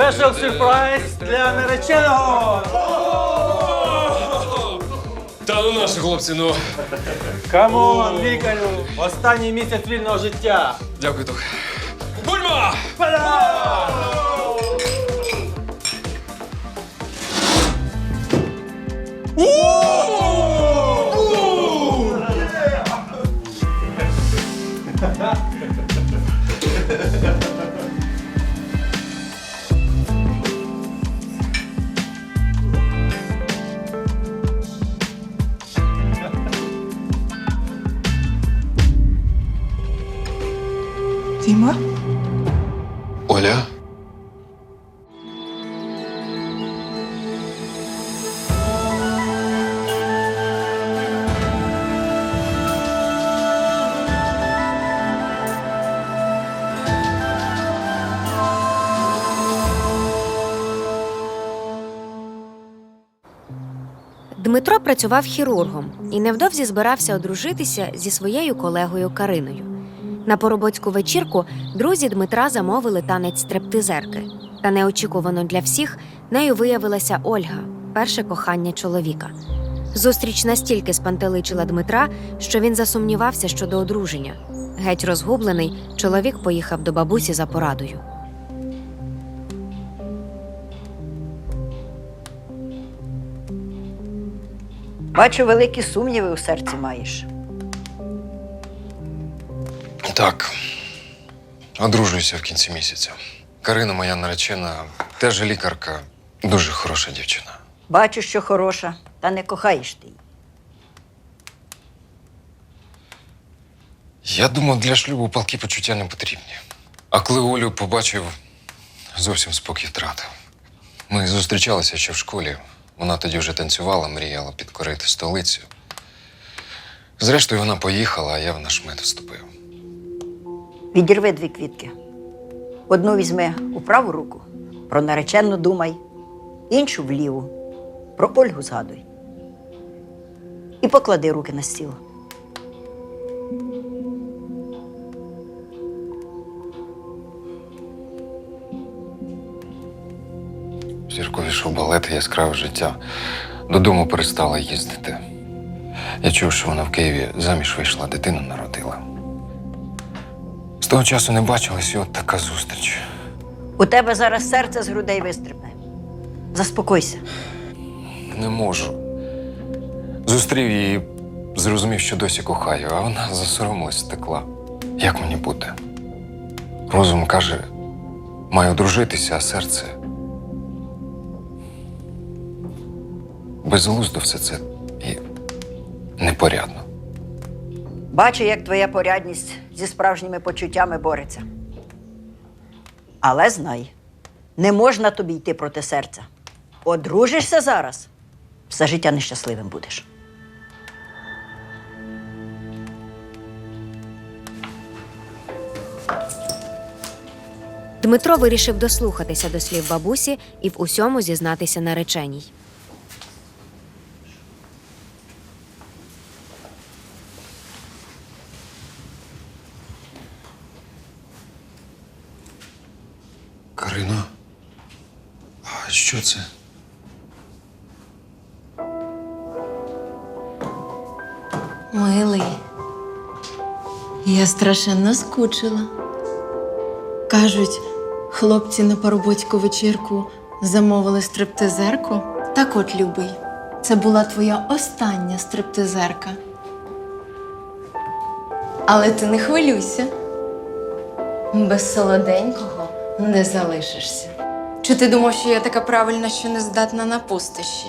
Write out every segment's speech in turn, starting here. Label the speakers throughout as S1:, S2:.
S1: Special surprise для нареченого!
S2: Та ну наші хлопці, ну.
S1: Камон, лікарю! Останній місяць вільного життя!
S2: Дякую, Тух. Бульма!
S3: Діма?
S2: Оля?
S4: Дмитро працював хірургом і невдовзі збирався одружитися зі своєю колегою Кариною. На поробоцьку вечірку друзі Дмитра замовили танець стриптизерки. Та неочікувано для всіх нею виявилася Ольга, перше кохання чоловіка. Зустріч настільки спантеличила Дмитра, що він засумнівався щодо одруження. Геть розгублений, чоловік поїхав до бабусі за порадою.
S5: Бачу, великі сумніви у серці маєш.
S2: Так. Одружуюся в кінці місяця. Карина, моя наречена, теж лікарка, дуже хороша дівчина.
S5: Бачу, що хороша, та не кохаєш ти її.
S2: Я думав, для шлюбу палкі почуття не потрібні. А коли Олю побачив, зовсім спокій втратив. Ми зустрічалися ще в школі. Вона тоді вже танцювала, мріяла підкорити столицю. Зрештою, вона поїхала, а я в наш мед вступив.
S5: Відірви 2 квітки. Одну візьми у праву руку, про наречену думай, іншу в ліву, про Ольгу згадуй. І поклади руки на стіл.
S2: Зірковішов балет, яскраве життя. Додому перестала їздити. Я чув, що вона в Києві заміж вийшла, дитину народила. З того часу не бачились, і от така зустріч.
S5: У тебе зараз серце з грудей вистрибне. Заспокойся.
S2: Не можу. Зустрів її, зрозумів, що досі кохаю, а вона засоромилась, втекла. Як мені бути? Розум каже, маю одружитися, а серце... Безглуздо все це і непорядно.
S5: Бачу, як твоя порядність зі справжніми почуттями бореться. Але знай, не можна тобі йти проти серця. Одружишся зараз, все життя нещасливим будеш.
S4: Дмитро вирішив дослухатися до слів бабусі і в усьому зізнатися нареченій.
S2: Карино, а що це?
S3: Милий, я страшенно скучила. Кажуть, хлопці на парубоцьку вечірку замовили стриптизерку. Так от, любий, це була твоя остання стриптизерка. Але ти не хвилюйся. Без солоденького не залишишся. Чи ти думав, що я така правильна, що не здатна на пустощі?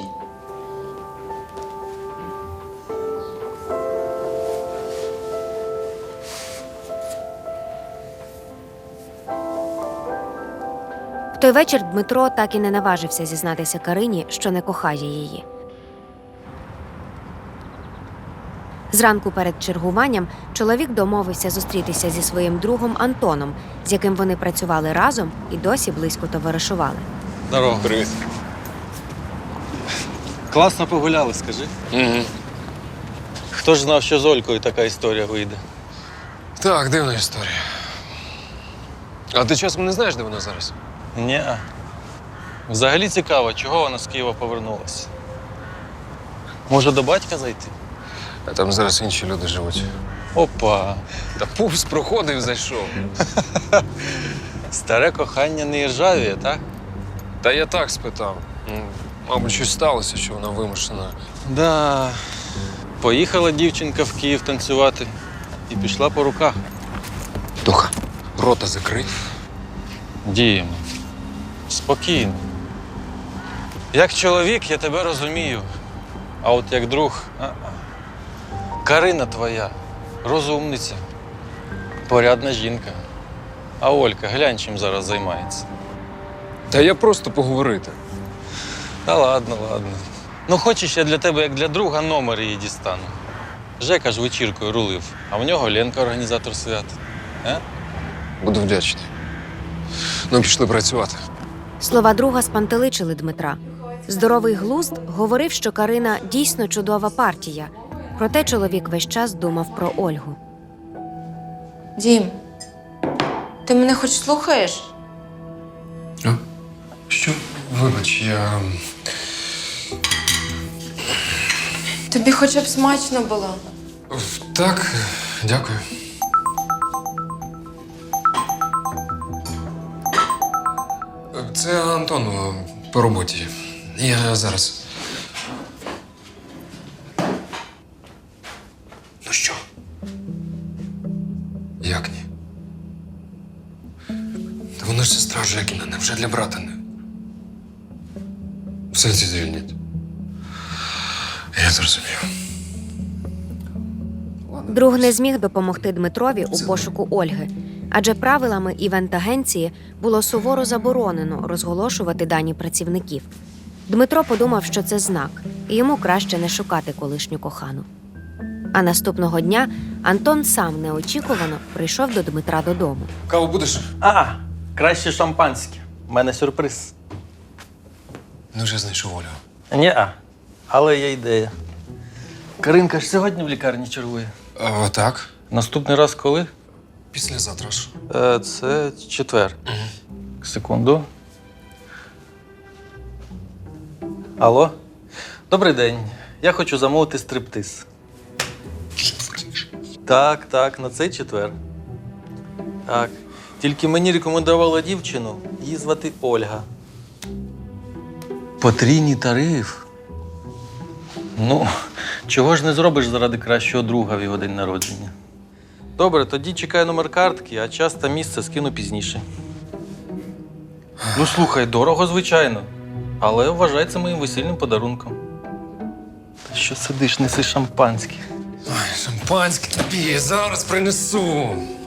S4: В той вечір Дмитро так і не наважився зізнатися Карині, що не кохає її. Зранку перед чергуванням чоловік домовився зустрітися зі своїм другом Антоном, з яким вони працювали разом і досі близько товаришували.
S1: Здорово.
S2: Привіт.
S1: Класно погуляли, скажи.
S2: Угу.
S1: Хто ж знав, що з Олькою така історія вийде?
S2: Так, дивна історія. А ти часом не знаєш, де вона зараз?
S1: Ні. Взагалі цікаво, чого вона з Києва повернулася. Може, до батька зайти?
S2: А там зараз інші люди живуть.
S1: Опа.
S2: Та повз проходив, зайшов.
S1: Старе кохання не іржавіє, так?
S2: Та я так спитав. Мабуть, щось сталося, що вона вимушена.
S1: Да. Поїхала дівчинка в Київ танцювати і пішла по руках.
S2: Тоха, рота закрий.
S1: Діємо. Спокійно. Як чоловік я тебе розумію. А от як друг. Карина твоя, розумниця, порядна жінка. А Олька, глянь, чим зараз займається.
S2: Та я просто поговорити.
S1: Та ладно, ладно. Ну, хочеш, я для тебе, як для друга, номер її дістану. Жека ж вечіркою рулив, а в нього Ленка організатор свята.
S2: Буду вдячний. Ну, пішли працювати.
S4: Слова друга спантеличили Дмитра. Здоровий глузд говорив, що Карина дійсно чудова партія. Проте чоловік весь час думав про Ольгу.
S3: Дім, ти мене хоч слухаєш?
S2: Що? Вибач, я.
S3: Тобі хоча б смачно було.
S2: Так, дякую. Це Антон по роботі. Я зараз. Ну що? Як ні? Та вона ж сестра Жекіна, невже для брата не? В сенсі звільнять. Я зрозумів.
S4: Друг не зміг допомогти Дмитрові у пошуку Ольги, адже правилами івент-агенції було суворо заборонено розголошувати дані працівників. Дмитро подумав, що це знак, і йому краще не шукати колишню кохану. А наступного дня Антон сам неочікувано прийшов до Дмитра додому.
S2: Каву будеш?
S1: Краще шампанське. У мене сюрприз.
S2: Ну, вже знайшов Олю.
S1: Ні-а, але є ідея. Каринка ж сьогодні в лікарні чергує.
S2: Так.
S1: Наступний раз коли?
S2: Післязавтра ж.
S1: Це четвер. Секунду. Алло? Добрий день. Я хочу замовити стриптиз. Так, на цей четвер. Так. Тільки мені рекомендувала дівчину, її звати Ольга. Потрійний тариф. Ну, чого ж не зробиш заради кращого друга в його день народження? Добре, тоді чекаю номер картки, а час та місце скину пізніше. Ну, слухай, дорого, звичайно. Але вважай це моїм весільним подарунком. Та що сидиш, неси шампанське?
S2: Ой, шампанське тобі, зараз принесу.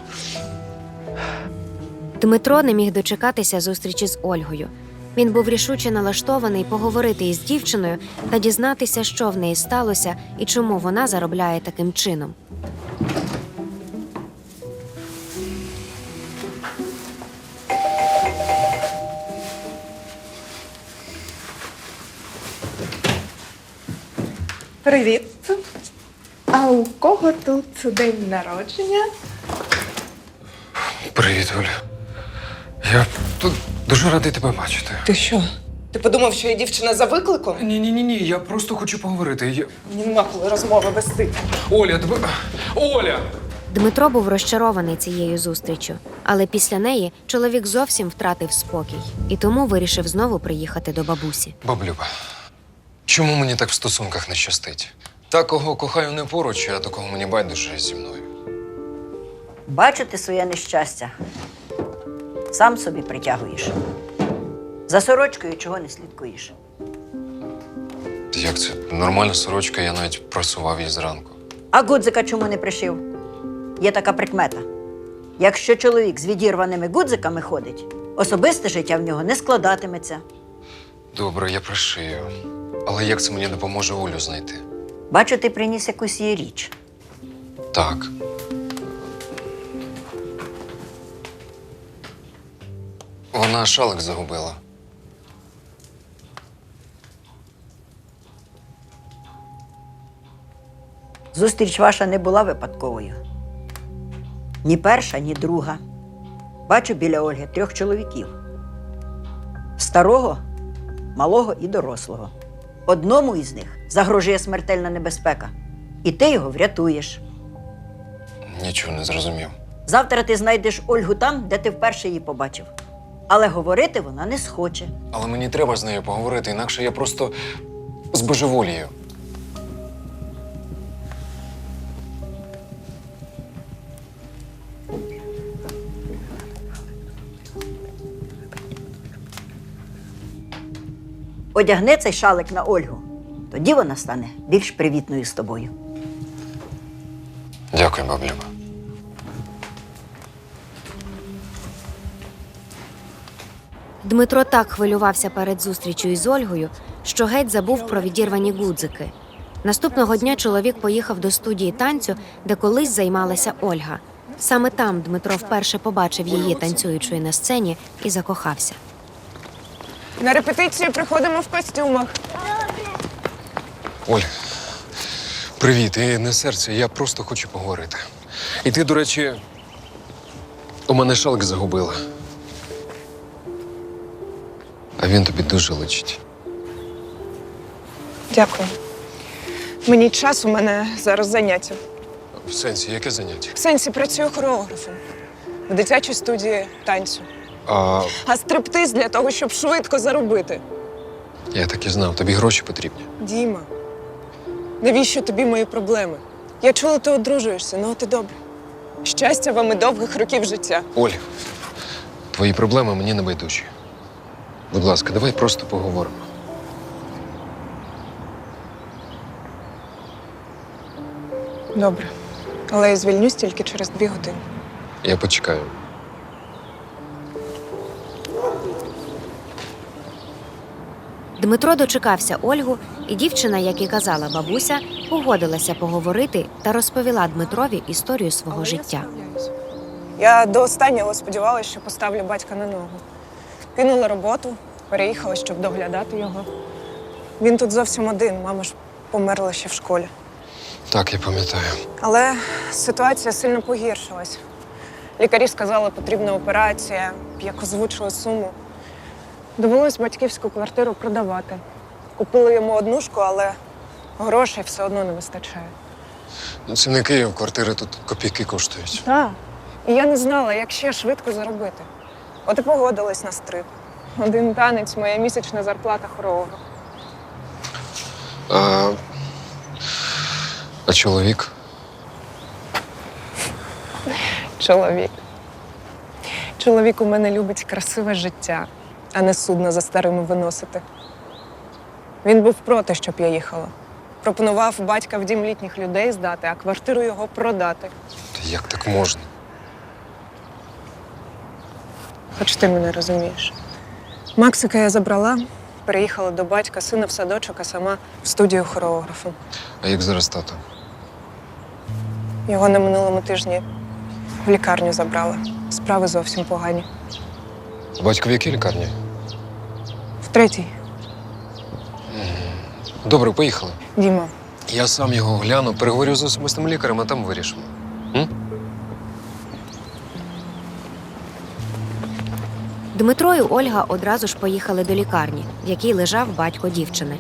S4: Дмитро не міг дочекатися зустрічі з Ольгою. Він був рішуче налаштований поговорити із дівчиною та дізнатися, що в неї сталося і чому вона заробляє таким чином.
S6: Привіт. А у кого тут день народження?
S2: Привіт, Оля. Я тут дуже радий тебе бачити.
S6: Ти що? Ти подумав, що я дівчина за викликом?
S2: Ні, я просто хочу поговорити.
S6: Мені нема коли розмови вести.
S2: Оля, тебе. Оля!
S4: Дмитро був розчарований цією зустріччю, але після неї чоловік зовсім втратив спокій і тому вирішив знову приїхати до бабусі.
S2: Баблюба, чому мені так в стосунках не щастить? Та, кого кохаю, не поруч, а до кого мені байдуже зі мною.
S5: Бачу ти своє нещастя. Сам собі притягуєш. За сорочкою чого не слідкуєш.
S2: Як це? Нормальна сорочка, я навіть просував її зранку.
S5: А гудзика чому не пришив? Є така прикмета. Якщо чоловік з відірваними гудзиками ходить, особисте життя в нього не складатиметься.
S2: Добре, я пришию. Але як це мені допоможе Олю знайти?
S5: Бачу, ти приніс якусь її річ.
S2: Так. Вона шалик загубила.
S5: Зустріч ваша не була випадковою. Ні перша, ні друга. Бачу біля Ольги 3 чоловіків. Старого малого і дорослого. Одному із них загрожує смертельна небезпека, і ти його врятуєш.
S2: Нічого не зрозумів.
S5: Завтра ти знайдеш Ольгу там, де ти вперше її побачив. Але говорити вона не схоче.
S2: Але мені треба з нею поговорити, інакше я просто збожеволію.
S5: Одягни цей шалик на Ольгу. Тоді вона стане більш привітною з тобою.
S2: Дякую, баб Люба.
S4: Дмитро так хвилювався перед зустрічю із Ольгою, що геть забув про відірвані гудзики. Наступного дня чоловік поїхав до студії танцю, де колись займалася Ольга. Саме там Дмитро вперше побачив її танцюючою на сцені і закохався.
S6: На репетицію приходимо в костюмах.
S2: Оль, привіт. І не серце, я просто хочу поговорити. І ти, до речі, у мене шалик загубила. А він тобі дуже личить.
S6: Дякую. Мені час, у мене зараз заняття.
S2: В сенсі, яке заняття?
S6: В сенсі працюю хореографом в дитячій студії танцю. А стриптиз для того, щоб швидко заробити.
S2: Я так і знав, тобі гроші потрібні.
S6: Діма, навіщо тобі мої проблеми? Я чула, ти одружуєшся, ну от і добре. Щастя вам і довгих років життя.
S2: Оль, твої проблеми мені не байдужі. Будь ласка, давай просто поговоримо.
S6: Добре. Але я звільнюсь тільки через 2 години.
S2: Я почекаю.
S4: Дмитро дочекався Ольгу, і дівчина, як і казала бабуся, погодилася поговорити та розповіла Дмитрові історію свого
S6: Але
S4: життя.
S6: я справляюсь. Я до останнього сподівалася, що поставлю батька на ногу. Кинула роботу, переїхала, щоб доглядати його. Він тут зовсім один, мама ж померла ще в школі.
S2: Так, я пам'ятаю.
S6: Але ситуація сильно погіршилась. Лікарі сказали, потрібна операція, як озвучили суму. Довелось батьківську квартиру продавати. Купили йому однушку, але грошей все одно не вистачає.
S2: Ну, це не Київ, квартири тут копійки коштують.
S6: Так. І я не знала, як ще швидко заробити. От і погодилась на стрип. 1 танець, моя місячна зарплата хореографа.
S2: А чоловік?
S6: Чоловік у мене любить красиве життя, а не судно за старими виносити. Він був проти, щоб я їхала. Пропонував батька в дім літніх людей здати, а квартиру його продати.
S2: Та як так можна?
S6: Хоч ти мене розумієш. Максика я забрала, переїхала до батька, сина в садочок, а сама в студію хореографом.
S2: А як зараз тато?
S6: Його на минулому тижні в лікарню забрали. Справи зовсім погані.
S2: Батько в якій лікарні?
S6: В 3-й.
S2: Добре, поїхали.
S6: Діма,
S2: Я сам його гляну, переговорю з особистим лікарем, а там вирішимо.
S4: Дмитро і Ольга одразу ж поїхали до лікарні, в якій лежав батько дівчини.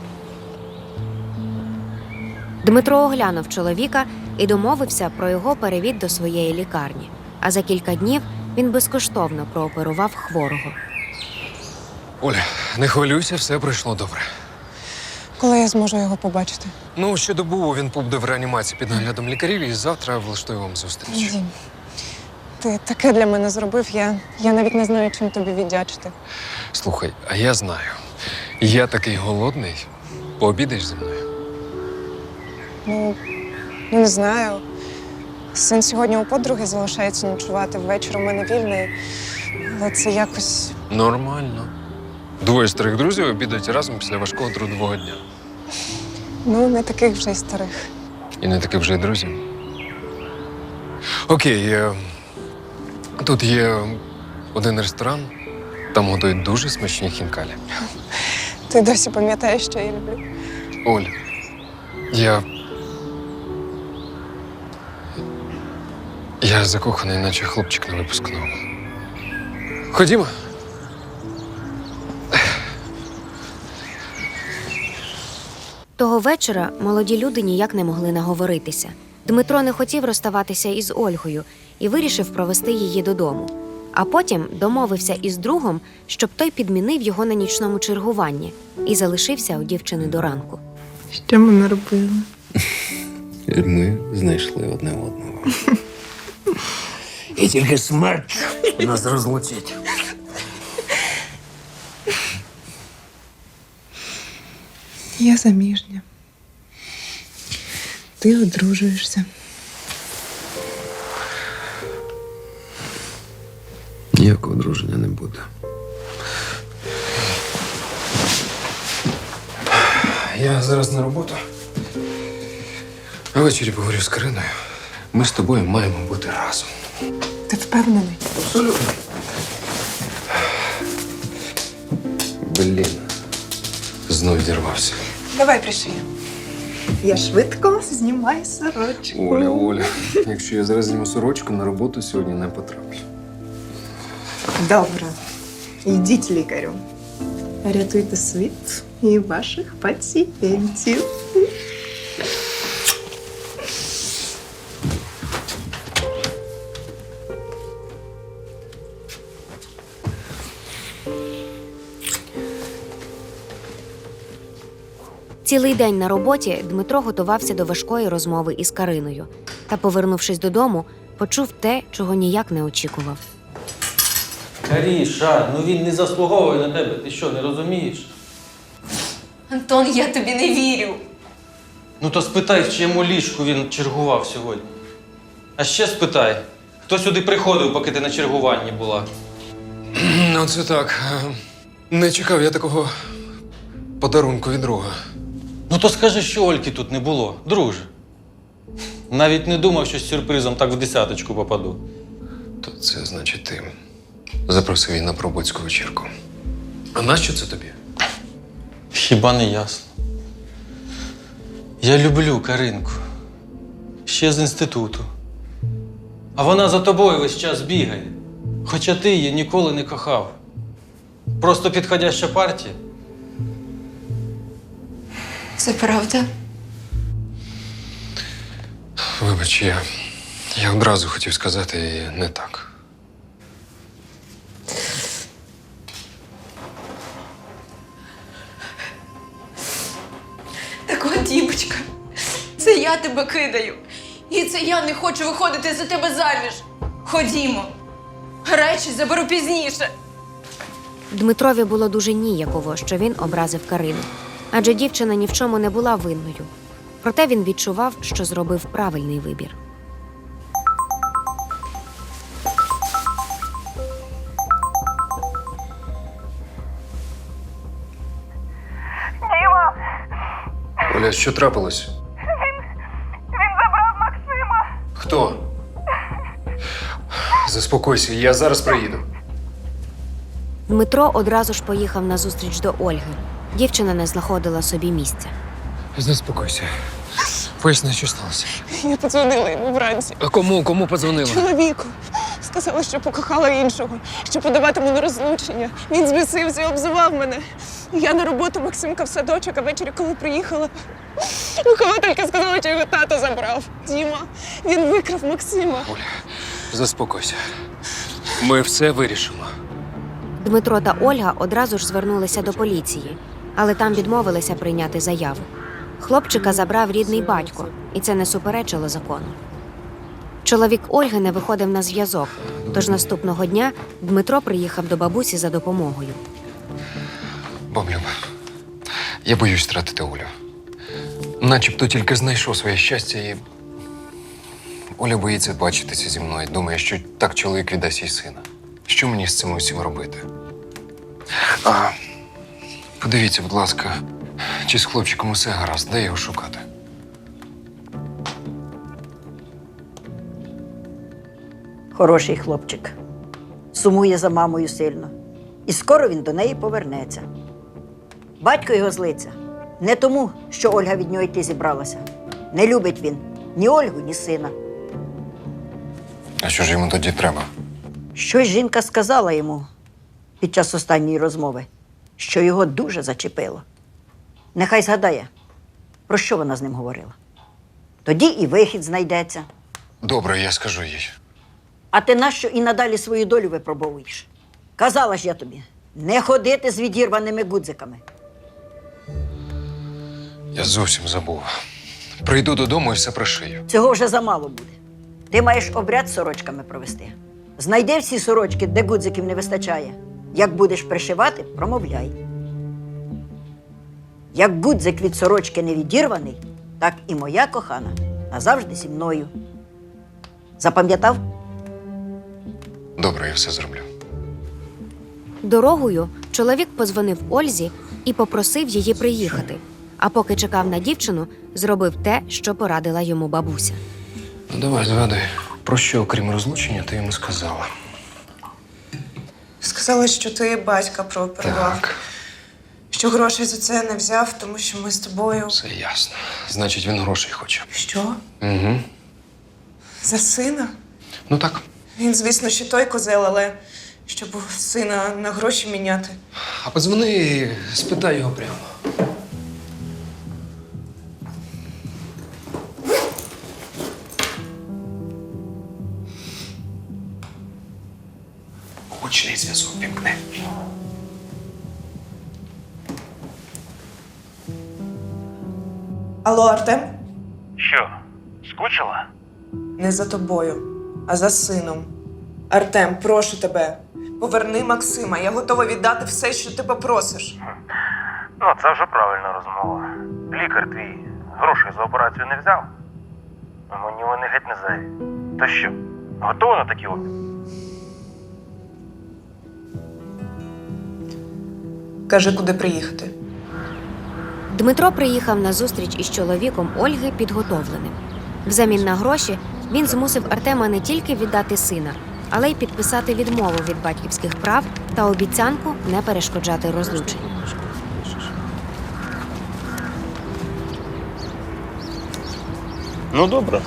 S4: Дмитро оглянув чоловіка і домовився про його перевід до своєї лікарні. А за кілька днів він безкоштовно прооперував хворого.
S2: Оля, не хвилюйся, все пройшло добре.
S6: коли я зможу його побачити?
S2: Ну, ще добу він побуде в реанімації під наглядом лікарів і завтра влаштую вам зустріч.
S6: Дім, ти таке для мене зробив, я навіть не знаю, чим тобі віддячити.
S2: Слухай, а я знаю. Я такий голодний. Пообідаєш зі мною?
S6: Ну, не знаю. Син сьогодні у подруги залишається ночувати. Ввечері у мене вільний. Але це якось.
S2: Нормально. Двоє старих друзів обідають разом після важкого трудового дня.
S6: Ну, не таких вже й старих.
S2: І не таки вже й друзі. Окей, тут є один ресторан, там готують дуже смачні хінкалі.
S6: Ти досі пам'ятаєш, що я люблю.
S2: Оль, я закоханий, наче хлопчик на випускному. Ходімо.
S4: Того вечора молоді люди ніяк не могли наговоритися. Дмитро не хотів розставатися із Ольгою і вирішив провести її додому. А потім домовився із другом, щоб той підмінив його на нічному чергуванні і залишився у дівчини до ранку.
S6: Що ми наробили?
S7: Ми знайшли одне одного. І тільки смерть нас розлучить.
S6: Я заміжня. Ти одружуєшся.
S7: Ніякого одруження не буде.
S2: Я зараз на роботу. А ввечері поговорю з Кариною. Ми з тобою маємо бути разом.
S6: Ти впевнений?
S2: Абсолютно. Блін. Знов відірвався.
S6: Давай пришиємо. Я швидко знімаю сорочку.
S2: Оля, якщо я зараз зніму сорочку, на роботу сьогодні не потраплю.
S6: Добре. Йдіть лікарю. Рятуйте світ і ваших пацієнтів.
S4: Цілий день на роботі Дмитро готувався до важкої розмови із Кариною. Та, повернувшись додому, почув те, чого ніяк не очікував.
S1: Каріша, ну він не заслуговує на тебе. Ти що, не розумієш?
S3: Антон, я тобі не вірю.
S1: Ну то спитай, в чиєму ліжку він чергував сьогодні. А ще спитай, хто сюди приходив, поки ти на чергуванні була.
S2: Ну, це так. Не чекав я такого подарунку від друга.
S1: Ну то скажи, що Ольки тут не було, друже. Навіть не думав, що з сюрпризом так в десяточку попаду.
S2: То це значить ти запросив її на пробоцьку вечірку. А нащо це тобі?
S1: Хіба не ясно? Я люблю Каринку. Ще з інституту. А вона за тобою весь час бігає. Хоча ти її ніколи не кохав. Просто підходяща партія.
S3: Це правда?
S2: Вибач, я одразу хотів сказати і не так.
S3: Так от, дівчинка, це я тебе кидаю. І це я не хочу виходити за тебе заміж. Ходімо. Речі заберу пізніше.
S4: Дмитрові було дуже ніяково, що він образив Карину. Адже дівчина ні в чому не була винною. Проте він відчував, що зробив правильний вибір.
S2: Оля, що трапилось?
S8: Він забрав Максима.
S2: Хто? Заспокойся, я зараз приїду.
S4: Дмитро одразу ж поїхав на зустріч до Ольги. Дівчина не знаходила собі місця.
S2: Заспокойся. Поясни, що сталося.
S6: Я подзвонила йому вранці.
S2: А кому подзвонила?
S6: Чоловіку. Сказала, що покохала іншого, що подаватиму на розлучення. Він збісився і обзивав мене. Я на роботу, Максимка в садочок, а ввечері, коли приїхала, вихователька сказала, що його тато забрав. Діма, він викрав Максима.
S2: Оля, заспокойся. Ми все вирішимо.
S4: Дмитро та Ольга одразу ж звернулися до поліції, але там відмовилися прийняти заяву. Хлопчика забрав рідний батько, і це не суперечило закону. Чоловік Ольги не виходив на зв'язок, тож наступного дня Дмитро приїхав до бабусі за допомогою.
S2: Баблюба, я боюсь втратити Олю. Начебто тільки знайшов своє щастя і... Оля боїться бачитися зі мною. Думає, що так чоловік віддасть їй сина. Що мені з цим усім робити? Подивіться, будь ласка, чи з хлопчиком усе гаразд, де його шукати?
S5: Хороший хлопчик. Сумує за мамою сильно. І скоро він до неї повернеться. Батько його злиться. Не тому, що Ольга від нього йти зібралася. Не любить він ні Ольгу, ні сина.
S2: А що ж йому тоді треба?
S5: Щось жінка сказала йому під час останньої розмови, що його дуже зачепило. Нехай згадає, Про що вона з ним говорила? Тоді і вихід знайдеться.
S2: Добре, я скажу їй.
S5: А ти нащо і надалі свою долю випробовуєш? Казала ж я тобі, не ходити з відірваними гудзиками.
S2: Я зовсім забув. Прийду додому і все пришию.
S5: Цього вже замало буде. Ти маєш обряд з сорочками провести. Знайди всі сорочки, де гудзиків не вистачає. Як будеш пришивати, промовляй. Як гудзик від сорочки не відірваний, так і моя кохана назавжди зі мною. Запам'ятав?
S2: Добре, я все зроблю.
S4: Дорогою чоловік подзвонив Ользі і попросив її приїхати. А поки чекав на дівчину, зробив те, що порадила йому бабуся.
S2: Ну давай, згадай, про що, окрім розлучення, ти йому сказала?
S6: Сказала, що ти батька прооперував.
S2: Так,
S6: Що грошей за це не взяв, тому що ми з тобою.
S2: все ясно. Значить, він грошей хоче.
S6: Що?
S2: Угу.
S6: За сина?
S2: Ну так.
S6: Він, звісно, ще той козел, але щоб сина на гроші міняти.
S2: А подзвони і спитай його прямо. Гучний зв'язок вімкни.
S6: Алло, Артем?
S9: Що, скучила?
S6: Не за тобою, а за сином. Артем, прошу тебе, поверни Максима. Я готова віддати все, що ти попросиш.
S9: Ну, це вже правильна розмова. Лікар твій грошей за операцію не взяв. А мені вони геть не зайві. То що, готова на такі опіки?
S6: Кажи, куди приїхати.
S4: Дмитро приїхав на зустріч із чоловіком Ольги підготовленим. Взамін на гроші він змусив Артема не тільки віддати сина, але й підписати відмову від батьківських прав та обіцянку не перешкоджати розлученню.
S9: Ну, добре.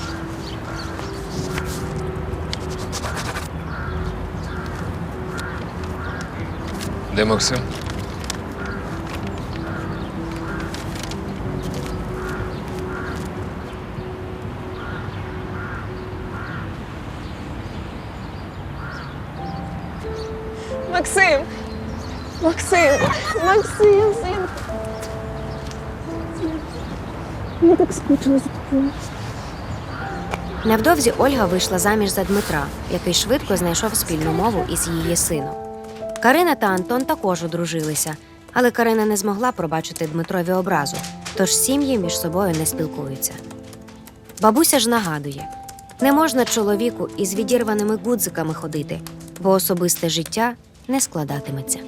S2: Де Максим?
S6: Максим! Максим! Максим, син! Я так скучила за тобою.
S4: Невдовзі Ольга вийшла заміж за Дмитра, який швидко знайшов спільну мову із її сином. Карина та Антон також одружилися, але Карина не змогла пробачити Дмитрові образу, тож сім'ї між собою не спілкуються. Бабуся ж нагадує, не можна чоловіку із відірваними гудзиками ходити, бо особисте життя не складатиметься.